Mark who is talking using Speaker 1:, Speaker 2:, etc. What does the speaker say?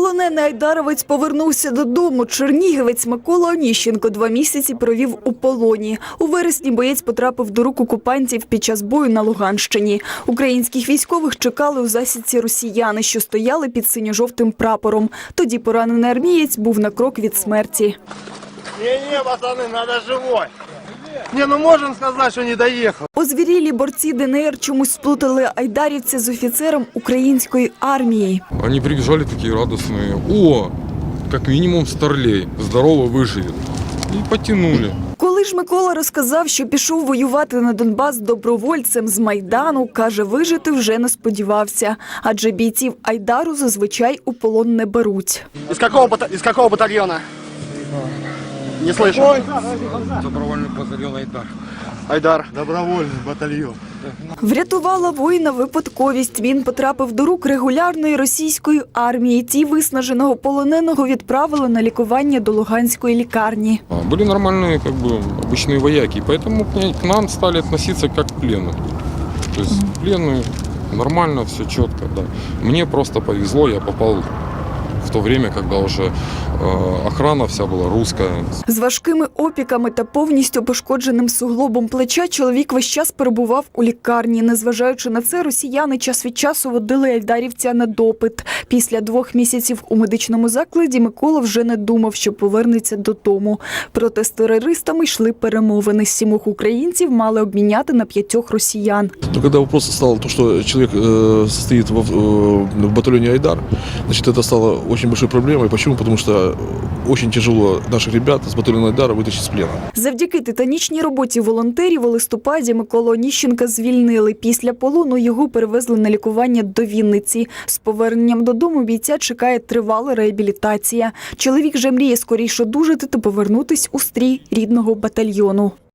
Speaker 1: Полонений айдаровець повернувся додому. Чернігівець Микола Оніщенко 2 місяці провів у полоні. У вересні боєць потрапив до рук окупантів під час бою на Луганщині. Українських військових чекали у засідці росіяни, що стояли під синьо-жовтим прапором. Тоді поранений армієць був на крок від смерті.
Speaker 2: Не, пацаны, надо живой. Не, ну можем сказать, что не доехал.
Speaker 1: Озвірілі борці ДНР чомусь сплутали айдарівця з офіцером української армії.
Speaker 3: Они прибежали такие радостные. О, как минимум старлей, здорово выживет. И потянули.
Speaker 1: Коли ж Микола розказав, що пішов воювати на Донбас добровольцем з Майдану, каже, вижити вже не сподівався. Адже бійців Айдару зазвичай у полон не беруть.
Speaker 2: Из какого батальона? Не слышу.
Speaker 3: Добровольный батальон Айдар.
Speaker 2: Айдар. Добровольный батальон.
Speaker 1: Врятувала воїна випадковість. Він потрапив до рук регулярної російської армії. Ті виснаженого полоненого відправили на лікування до Луганської лікарні.
Speaker 3: Были нормальные, обычные вояки, поэтому к нам стали относиться как к пленным. То есть пленные, нормально, все четко, да. Мне просто повезло, я попал в то время, когда уже охрана вся була русская.
Speaker 1: З важкими опіками та повністю пошкодженим суглобом плеча чоловік весь час перебував у лікарні. Незважаючи на це, росіяни час від часу водили айдарівця на допит. Після 2 місяців у медичному закладі Микола вже не думав, що повернеться додому. Проте з терористами йшли перемовини. 7 українців мали обміняти на 5 росіян.
Speaker 4: Но когда вопрос стал, что человек состоит в батальоне Айдар, значит, это стало очень большой проблемой. Почему? Потому что очень тяжело наших ребят с батальона Айдара вытащить з плена.
Speaker 1: Завдяки титанічній роботі волонтерів у листопаді Миколу Оніщенка звільнили. Після полону його перевезли на лікування до Вінниці. З поверненням додому бійця чекає тривала реабілітація. Чоловік же мріє скоріше одужати та повернутись у стрій рідного батальйону.